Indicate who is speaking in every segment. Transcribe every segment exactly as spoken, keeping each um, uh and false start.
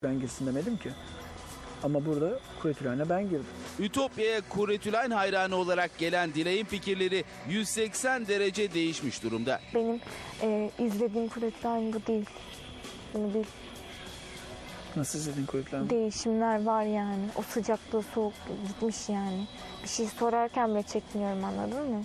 Speaker 1: ben girsin demedim ki. Ama burada Kuretülen'e ben girdim.
Speaker 2: Ütopya'ya Kuretülen hayranı olarak gelen Dilay'ın fikirleri yüz seksen derece değişmiş durumda.
Speaker 3: Benim e, izlediğim Kuretülen bu değil. Bunu bil.
Speaker 1: Nasıl izledin Kuretülen?
Speaker 3: Değişimler var yani. O sıcaklığı soğuk gitmiş yani. Bir şey sorarken bile çekiniyorum, anladın mı?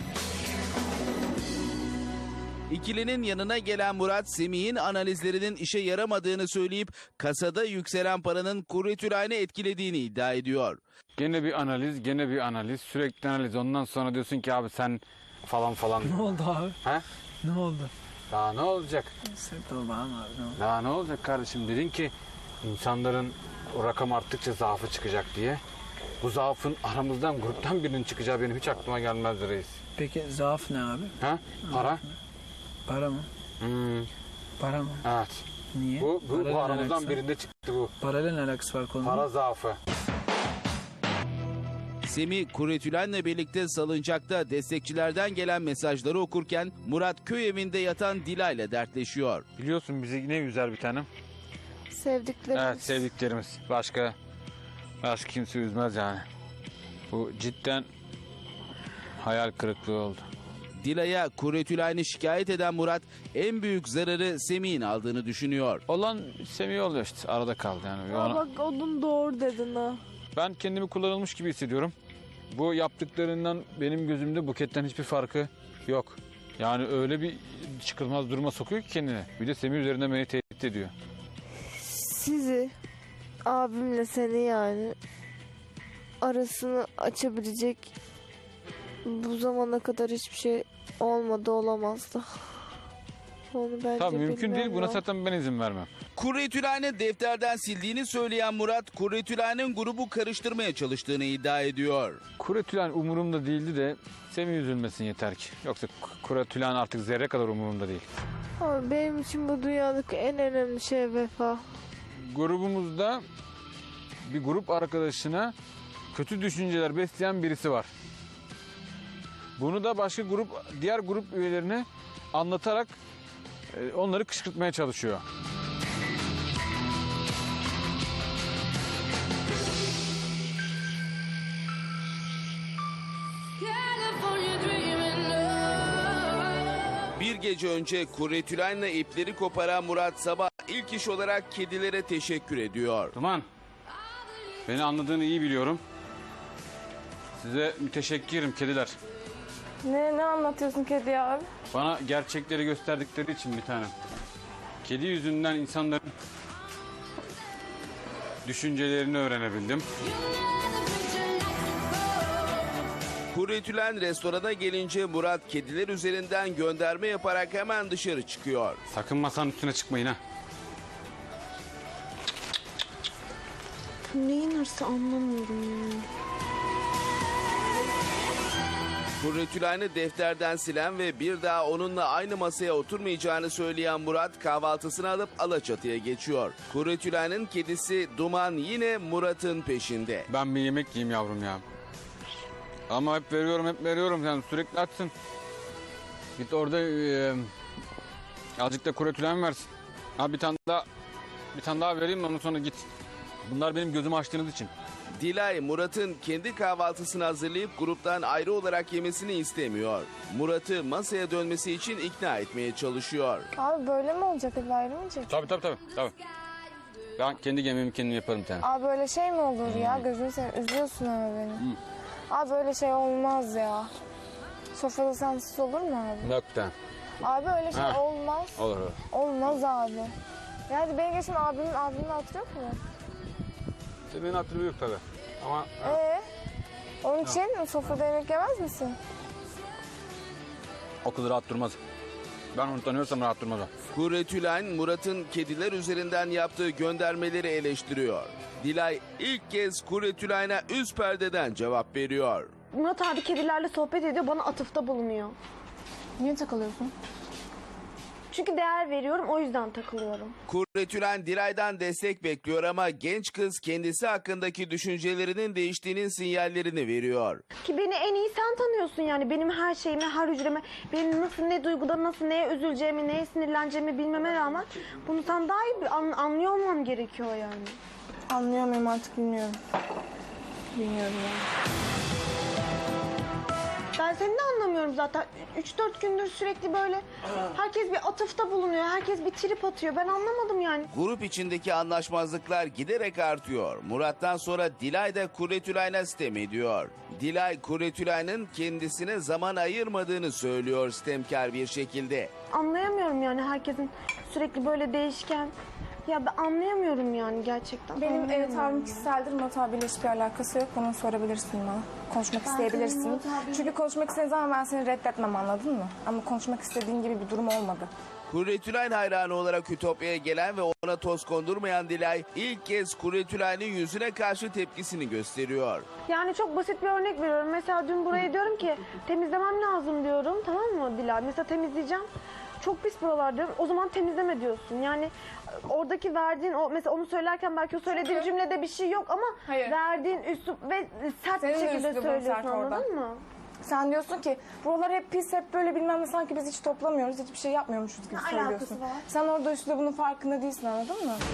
Speaker 2: İkilinin yanına gelen Murat, Semih'in analizlerinin işe yaramadığını söyleyip kasada yükselen paranın Kuretülen'i etkilediğini iddia ediyor.
Speaker 4: Gene bir analiz, gene bir analiz, sürekli analiz. Ondan sonra diyorsun ki abi sen falan falan.
Speaker 1: Ne oldu abi?
Speaker 4: He?
Speaker 1: Ne oldu?
Speaker 4: Daha ne olacak?
Speaker 1: Sen tamam abi ne oldu?
Speaker 4: Daha ne olacak kardeşim? Dedin ki insanların o rakam arttıkça zaafı çıkacak diye. Bu zaafın aramızdan, gruptan birinin çıkacağı benim hiç aklıma gelmezdi reis.
Speaker 1: Peki zaaf ne abi?
Speaker 4: Ha? Para?
Speaker 1: Para mı?
Speaker 4: Hmm,
Speaker 1: Para mı?
Speaker 4: evet.
Speaker 1: Niye?
Speaker 4: Bu, bu,
Speaker 1: Parayla
Speaker 4: bu
Speaker 1: ne
Speaker 4: aramızdan
Speaker 1: alakası var?
Speaker 4: birinde çıktı bu.
Speaker 1: Parayla ne alakası var konunun?
Speaker 4: Para zaafı.
Speaker 2: Semih, Kuretülen'le birlikte salıncakta destekçilerden gelen mesajları okurken Murat köy evinde yatan Dilay'la dertleşiyor.
Speaker 4: Biliyorsun bizi ne üzer bir tanem?
Speaker 3: Sevdiklerimiz.
Speaker 4: Evet, sevdiklerimiz. Başka, başka kimse üzmez yani. Bu cidden hayal kırıklığı oldu.
Speaker 2: Dilay'a Kuretülen'i şikayet eden Murat en büyük zararı Semih'in aldığını düşünüyor.
Speaker 4: Olan Semih oluyor işte, arada kaldı yani.
Speaker 3: Aa,
Speaker 4: Ona-
Speaker 3: bak onun doğru dedin ha.
Speaker 4: Ben kendimi kullanılmış gibi hissediyorum. Bu yaptıklarından benim gözümde Buket'ten hiçbir farkı yok. Yani öyle bir çıkılmaz duruma sokuyor ki kendini. Bir de Semih üzerinden beni tehdit ediyor.
Speaker 5: Sizi, abimle seni yani arasını açabilecek bu zamana kadar hiçbir şey olmadı, olamazdı. Onu bence
Speaker 4: Tabii mümkün
Speaker 5: bilmem
Speaker 4: değil, buna
Speaker 5: ya.
Speaker 4: zaten ben izin vermem.
Speaker 2: Kuretülen'i defterden sildiğini söyleyen Murat, Kuretülen'in grubu karıştırmaya çalıştığını iddia ediyor.
Speaker 4: Kuretülen umurumda değildi de Semih üzülmesin yeter ki. Yoksa Kuretülen artık zerre kadar umurumda değil.
Speaker 5: Ama benim için bu dünyadaki en önemli şey vefa.
Speaker 4: Grubumuzda bir grup arkadaşına kötü düşünceler besleyen birisi var. Bunu da başka grup, diğer grup üyelerine anlatarak e, onları kışkırtmaya çalışıyor.
Speaker 2: Bir gece önce Kuretülen'le ipleri koparan Murat sabah ilk iş olarak kedilere teşekkür ediyor.
Speaker 4: Duman, beni anladığını iyi biliyorum. Size müteşekkirim kediler.
Speaker 3: Ne, ne anlatıyorsun kedi abi?
Speaker 4: Bana gerçekleri gösterdikleri için bir tanem. Kedi yüzünden insanların düşüncelerini öğrenebildim.
Speaker 2: Kuretülen restorana gelince Murat kediler üzerinden gönderme yaparak hemen dışarı çıkıyor.
Speaker 4: Sakın masanın üstüne çıkmayın ha.
Speaker 5: Neyin hırsı anlamıyorum ya.
Speaker 2: Kuretülen'i defterden silen ve bir daha onunla aynı masaya oturmayacağını söyleyen Murat kahvaltısını alıp Alaçatı'ya geçiyor. Kuretülen'in kedisi Duman yine Murat'ın peşinde.
Speaker 4: Ben bir yemek yiyeyim yavrum ya. Ama hep veriyorum hep veriyorum sen sürekli açsın. Git orada e, azıcık da Kuretülen versin. Ha bir tane daha bir tane daha vereyim de ondan sonra git. Bunlar benim gözümü açtığınız için.
Speaker 2: Dilay, Murat'ın kendi kahvaltısını hazırlayıp gruptan ayrı olarak yemesini istemiyor. Murat'ı masaya dönmesi için ikna etmeye çalışıyor.
Speaker 3: Abi böyle mi olacak? Hep ayrılmayacak.
Speaker 4: Tabii tabii tabii. tabii. Ben kendi yemeğimi kendim yaparım bir tane.
Speaker 3: Abi böyle şey mi olur ya? Gözünü seveyim. Üzüyorsun ama beni. Abi böyle şey olmaz ya. Sofrada sensiz olur mu abi?
Speaker 4: Yok bir tane.
Speaker 3: Abi öyle şey
Speaker 4: Ha.
Speaker 3: olmaz.
Speaker 4: Olur olur.
Speaker 3: Olmaz abi. Yani benim geçen abimin abimin hatırı yok mu?
Speaker 4: Senin hatırı yok tabii. Ama
Speaker 3: Ee, onun için sofrada yemek yemez misin?
Speaker 4: o kız rahat durmaz. Ben onu tanıyorsam rahat durmaz o.
Speaker 2: Kuretülen, Murat'ın kediler üzerinden yaptığı göndermeleri eleştiriyor. Dilay ilk kez Kuretülen'e üst perdeden cevap veriyor.
Speaker 6: Murat abi kedilerle sohbet ediyor, bana atıfta bulunuyor.
Speaker 3: Niye takılıyorsun?
Speaker 6: Çünkü değer veriyorum, o yüzden takılıyorum.
Speaker 2: Kuretülen Dilay'dan destek bekliyor ama genç kız kendisi hakkındaki düşüncelerinin değiştiğinin sinyallerini veriyor.
Speaker 6: Ki beni en iyi sen tanıyorsun yani. Benim her şeyime, her hücreme, benim nasıl, ne duyguda nasıl, neye üzüleceğimi, neye sinirleneceğimi bilmeme rağmen bunu sen daha iyi bir an- anlıyor olmam gerekiyor yani.
Speaker 3: Anlıyor muyum artık bilmiyorum. Bilmiyorum yani.
Speaker 6: Ben seni de anlamıyorum zaten. üç dört gündür sürekli böyle herkes bir atıfta bulunuyor. Herkes bir trip atıyor. Ben anlamadım yani.
Speaker 2: Grup içindeki anlaşmazlıklar giderek artıyor. Murat'tan sonra Dilay da Kuretülay'ına sitem ediyor. Dilay, Kuretülay'ın kendisine zaman ayırmadığını söylüyor sitemkar bir şekilde.
Speaker 6: Anlayamıyorum yani herkesin sürekli böyle değişken. Ya ben anlayamıyorum yani gerçekten.
Speaker 3: Benim e,
Speaker 6: Anlayamıyorum.
Speaker 3: tavrım kişiseldir. Murat abiyle hiçbir alakası yok. Bunu sorabilirsin bana. Konuşmak isteyebilirsin.
Speaker 6: Murat abi-
Speaker 3: Çünkü konuşmak istediğin zaman ben seni reddetmem, anladın mı? Ama konuşmak istediğin gibi bir durum olmadı.
Speaker 2: Kuretülayn hayranı olarak Ütopya'ya gelen ve ona toz kondurmayan Dilay ilk kez Kuretülay'ın yüzüne karşı tepkisini gösteriyor.
Speaker 6: Yani çok basit bir örnek veriyorum. Mesela dün buraya diyorum ki temizlemem lazım diyorum. Tamam mı Dilay? Mesela temizleyeceğim. Çok pis buralar diyorum. O zaman temizleme diyorsun. Yani oradaki verdiğin o mesela onu söylerken belki o söylediğin
Speaker 3: Çünkü-
Speaker 6: cümlede bir şey yok ama
Speaker 3: Hayır.
Speaker 6: verdiğin üslup ve sert
Speaker 3: Senin
Speaker 6: bir
Speaker 3: de
Speaker 6: şekilde
Speaker 3: üslubun
Speaker 6: söylüyorsun,
Speaker 3: sert orada.
Speaker 6: anladın mı?
Speaker 3: Sen diyorsun ki buralar hep pis, hep böyle bilmem ne, sanki biz hiç toplamıyoruz, hiçbir şey yapmıyormuşuz gibi
Speaker 6: Ne
Speaker 3: söylüyorsun.
Speaker 6: alakası var?
Speaker 3: Sen orada üslubunun farkında değilsin, anladın mı?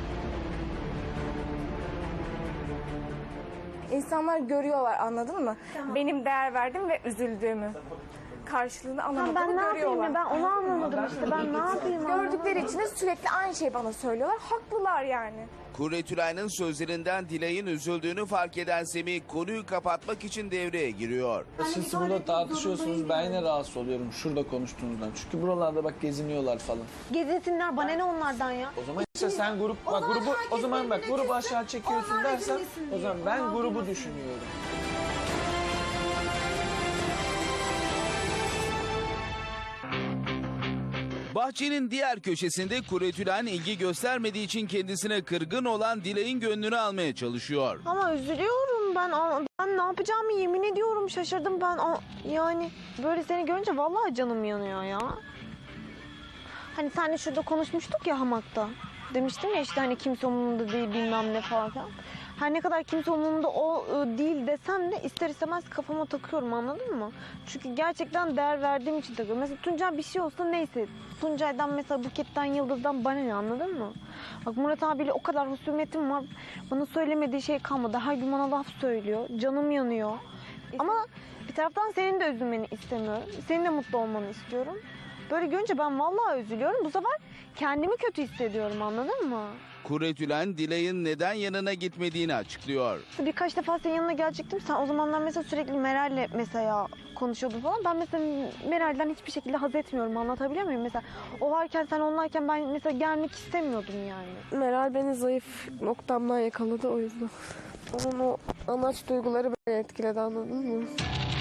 Speaker 3: İnsanlar görüyorlar, anladın mı? Benim değer verdiğim ve üzüldüğümü. Karşılığını
Speaker 6: Tamam,
Speaker 3: alamadığımı
Speaker 6: ben ne yapayım
Speaker 3: görüyorlar.
Speaker 6: ya? Ben onu anlamadım işte. Ben ne yapayım?
Speaker 3: Gördükleri için de sürekli aynı şeyi bana söylüyorlar. Haklılar yani.
Speaker 2: Kuretülay'ın sözlerinden Dilay'ın üzüldüğünü fark eden Semih konuyu kapatmak için devreye giriyor.
Speaker 1: Siz burada tartışıyorsunuz, ben yine rahatsız oluyorum şurada konuştuğunuzdan. Çünkü buralarda bak geziniyorlar falan.
Speaker 6: Gezinsinler, bana ne onlardan ya?
Speaker 1: O zaman işte sen grup, bak grubu, o zaman bak grubu aşağı çekiyorsun dersen, o zaman ben grubu düşünüyorum.
Speaker 2: Bahçenin diğer köşesinde Kuretülen ilgi göstermediği için kendisine kırgın olan Dilay'ın gönlünü almaya çalışıyor.
Speaker 6: Ama üzülüyorum ben. Ben ne yapacağımı yemin ediyorum şaşırdım ben. Yani böyle seni görünce vallahi canım yanıyor ya. Hani seninle şurada konuşmuştuk ya hamakta. Demiştim ya işte hani kimse umurumda değil bilmem ne falan filan. Her ne kadar kimse umurumda o ı, değil desem de ister istemez kafama takıyorum, anladın mı? Çünkü gerçekten değer verdiğim için takıyorum. Mesela Tuncay bir şey olsa neyse. Tuncay'dan mesela Buket'ten, Yıldız'dan bana ne, anladın mı? Bak Murat abiyle o kadar husumetim var. Bana söylemediği şey kalmadı. Her gün bana laf söylüyor. Canım yanıyor. Ama bir taraftan senin de üzülmeni istemiyorum. Senin de mutlu olmanı istiyorum. Böyle görünce ben vallahi üzülüyorum. Bu sefer kendimi kötü hissediyorum, anladın mı?
Speaker 2: Kuretülen Dilay'ın neden yanına gitmediğini açıklıyor.
Speaker 6: Birkaç defa senin yanına gelecektim. Sen o zamanlar mesela sürekli Meral'le mesela konuşuyordun falan. Ben mesela Meral'den hiçbir şekilde haz etmiyorum. Anlatabiliyor muyum? Mesela o varken, sen onlarken ben mesela gelmek istemiyordum yani.
Speaker 5: Meral beni zayıf noktamdan yakaladı, o yüzden. Onun o anaç duyguları beni etkiledi, anladın mı?